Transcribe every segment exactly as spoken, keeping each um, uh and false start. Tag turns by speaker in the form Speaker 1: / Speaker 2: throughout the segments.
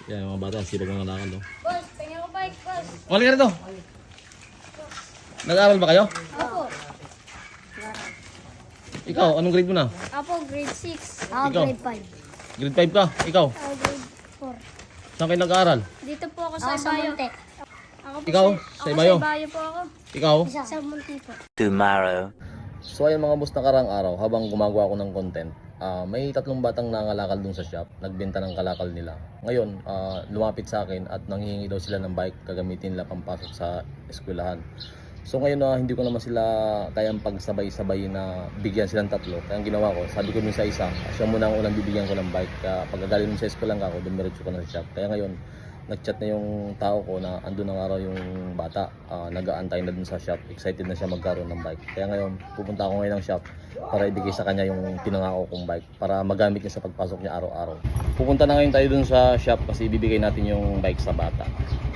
Speaker 1: Yan, mga bata, sibag mga lakad, no?
Speaker 2: Boss, tingnan ko bike, boss.
Speaker 1: Wala ka rito. Nag-aaral ba kayo?
Speaker 2: Apo.
Speaker 1: Ikaw, anong grade mo na?
Speaker 2: Apo, grade six. Ako,
Speaker 1: Ikaw?
Speaker 2: grade five.
Speaker 1: Grade five ka? Ikaw?
Speaker 2: Ako, grade four.
Speaker 1: Saan kayo nag-aaral?
Speaker 2: Dito po ako sa Ibayo. Ako po
Speaker 1: Ikaw?
Speaker 2: Sa,
Speaker 1: Sa
Speaker 2: ako
Speaker 1: Ibayo?
Speaker 2: Sa Ibayo po ako.
Speaker 1: Ikaw?
Speaker 2: Sa Munti po.
Speaker 3: Tomorrow.
Speaker 1: So ayun mga boss, nakarang araw habang gumagawa ako ng content, ah, may tatlong batang nangalakal dun sa shop, nagbenta ng kalakal nila. Ngayon, ah, lumapit sa akin at nanghihingi daw sila ng bike gagamitin nila pampasok sa eskwelahan. So ngayon na hindi ko naman sila kayang pagsabay-sabay na bigyan silang tatlo. Kaya ang ginawa ko, sabi ko dun sa isa, siya muna ang unang bibigyan ko ng bike. Kaya pagkagaling mo sa eskwelahan ka ako, dumiretso ko na sa shop. Kaya ngayon, nag-chat na yung tao ko na andun na araw yung bata, uh, nag-aantay na dun sa shop, excited na siya magkaroon ng bike. Kaya ngayon, pupunta ako ngayon ng shop para ibigay sa kanya yung pinangako kong bike para magamit niya sa pagpasok niya araw-araw. Pupunta na ngayon tayo dun sa shop kasi ibibigay natin yung bike sa bata.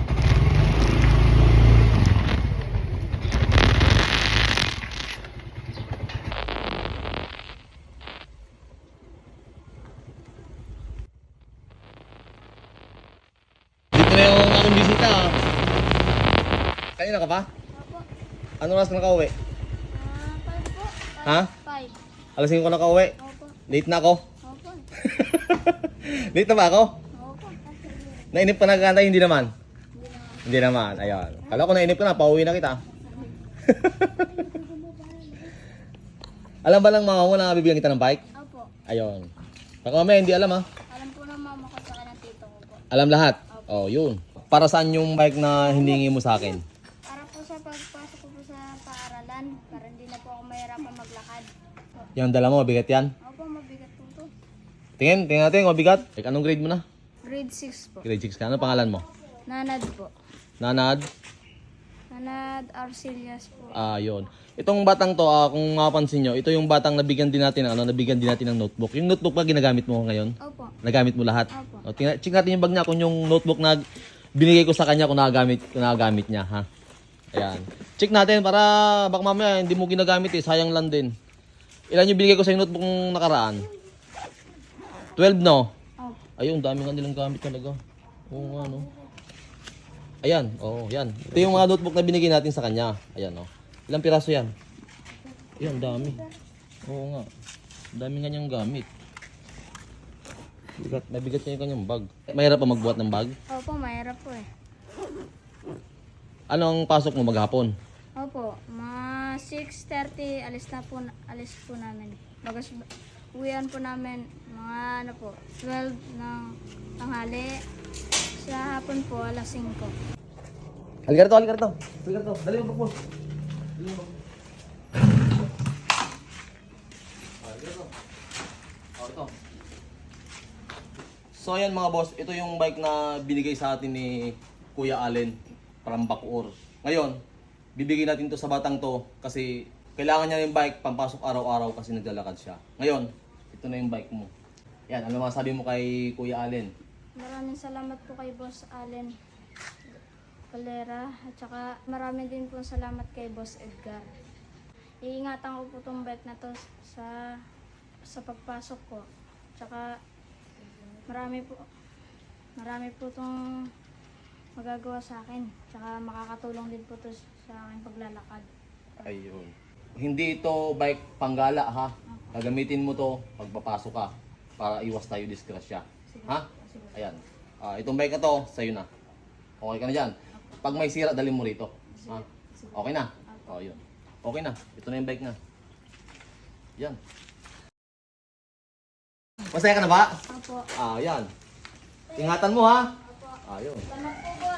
Speaker 1: Dito na yung aking bisita. Kanina ka pa?
Speaker 2: Apo.
Speaker 1: Anong oras ka nakauwi?
Speaker 2: Ah, five po.
Speaker 1: Ha?
Speaker 2: Five.
Speaker 1: Alas singko ka nakauwi?
Speaker 2: Opo.
Speaker 1: Late na ako?
Speaker 2: Opo.
Speaker 1: Late na ba ako?
Speaker 2: Opo.
Speaker 1: Nainip ka na kantay? Hindi naman?
Speaker 2: Hindi na.
Speaker 1: Hindi naman, ayun. Kala ko nainip ka na, pauwi na kita. Alam ba lang mga mo na bibigyan kita ng bike?
Speaker 2: Opo.
Speaker 1: Ayun. Baka mamaya hindi alam ha.
Speaker 2: Alam po ng mama ko sa ng tito ko po.
Speaker 1: Alam lahat? Oh, yun. Para saan yung bike na hiningi mo sa akin?
Speaker 2: Para po sa pagpasok ko po sa paaralan, para hindi na po ako mahirapan maglakad.
Speaker 1: Yung dala mo, mabigat yan?
Speaker 2: Opo, mabigat po to.
Speaker 1: Tingin, tingin natin, mabigat. Like, anong grade mo na?
Speaker 2: Grade six po.
Speaker 1: Grade six ka. Ano pangalan mo?
Speaker 2: Nanad po.
Speaker 1: Nanad?
Speaker 2: Nanad Arcelias po.
Speaker 1: Ah, yun. Itong batang to, ah, kung mapapansin nyo, ito yung batang nabigyan din natin ng ano, nabigyan din natin ng notebook. Yung notebook ba ginagamit mo ngayon?
Speaker 2: Opo.
Speaker 1: Nagamit mo lahat?
Speaker 2: Opo.
Speaker 1: O, tingnan, check natin yung bag niya kung yung notebook na binigay ko sa kanya kung nagagamit, kung nagagamit niya, ha? Ayan. Check natin para baka mamaya hindi mo ginagamit eh, sayang lang din. Ilan yung binigay ko sa yung notebook ng nakaraan? twelve, no?
Speaker 2: Opo.
Speaker 1: Ayun, dami nga nilang gamit talaga. Oo nga, no? Ayan, oo, yan. Ito yung mga notebook na binigay natin sa kanya. Ayan, no? Ilang piraso yan? Ayan, dami. Oo nga. Dami nga niyang gamit. Bigat, mabigat niya yung kanyang bag. Mahirap pa magbuhat ng bag?
Speaker 2: Opo, mahirap po eh.
Speaker 1: Ano ang pasok mo maghapon?
Speaker 2: Opo, mga six thirty alis na po, alis po namin. Bagas, uwian po namin mga ano po, twelve ng tanghali. Sa hapon po, alas singko.
Speaker 1: Halika rito, halika rito. Halika rito. Dali yung bag mo. Dali yung bag mo. Ah, halika rito. Oh, ito. So ayan mga boss, ito yung bike na binigay sa atin ni Kuya Allen from Bacoor. Ngayon, bibigyan natin to sa batang to kasi kailangan niya yung bike pampasok araw-araw kasi naglalakad siya. Ngayon, ito na yung bike mo. Yan, ano masabi mo kay Kuya Allen?
Speaker 2: Maraming salamat po kay Boss Allen Valera at saka maraming din po salamat kay Boss Edgar. Iingatan ko po tong bike na to sa sa pagpasok ko. Tsaka marami po marami po tong magagawa sa akin. Tsaka makakatulong din po to sa aking paglalakad.
Speaker 1: Ayun. Hindi ito bike panggala ha. Gagamitin mo to pagpapasok ka para iwas tayo disgrasya. Ha? Ayan. Ah, itong bike na to, sa'yo na. Okay ka na dyan. Pag may sira, dalhin mo rito. Ha? Okay na? O, yun. Okay na. Ito na yung bike na. Yan. Masaya ka na ba?
Speaker 2: Opo.
Speaker 1: Ah, yan. Ingatan mo ha.
Speaker 2: Opo.
Speaker 1: Ayun.
Speaker 2: Salamat po,